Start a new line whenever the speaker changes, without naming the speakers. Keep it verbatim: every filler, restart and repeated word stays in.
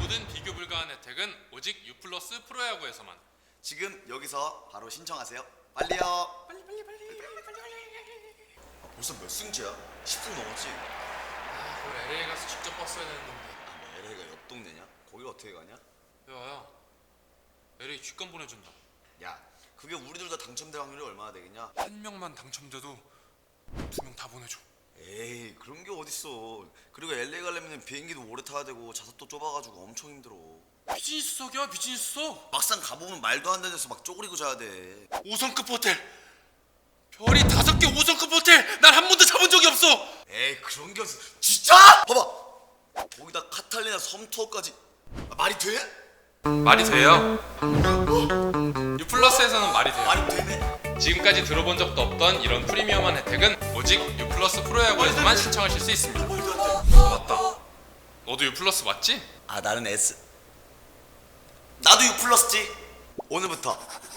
모든 비교 불가한 혜택은 오직 U 플러스 프로야구에서만.
지금 여기서 바로 신청하세요. 빨리요.
빨리 빨리 빨리 빨리 빨리 빨리.
아, 벌써 몇 승째야? 십 승 넘었지?
아, 그걸 엘에이 가서 직접 봤어야 되는 건데.
아, 뭐 엘에이가 옆 동네냐? 거기 어떻게 가냐?
야야, 엘에이 직관 보내준다.
야, 그게 우리 둘 다 당첨될 확률이 얼마나 되겠냐?
한 명만 당첨돼도 두 명 다 보내줘.
에이, 그런 게 어딨어. 그리고 엘에이 가려면 비행기도 오래 타야 되고 좌석도 좁아가지고 엄청 힘들어.
비즈니스석이야 비즈니스석.
막상 가보면 말도 안 되는 데서 막 쪼그리고 자야 돼.
오 성급 호텔. 별이 다섯 개 오 성급 호텔. 난 한 번도 잡은 적이 없어.
에이, 그런 게 어딨어. 진짜? 봐봐, 거기다 카탈리나 섬 투어까지. 아, 말이 돼?
말이 돼요. U 플러스에서는 말이 돼요.
말이 되네?
지금까지 들어본 적도 없던 이런 프리미엄한 혜택은 오직 U 플러스 프로야구에서만 신청하실 수 있습니다. 맞다. 너도 U 플러스 맞지?
아, 나는 S. 나도 U 플러스지. 오늘부터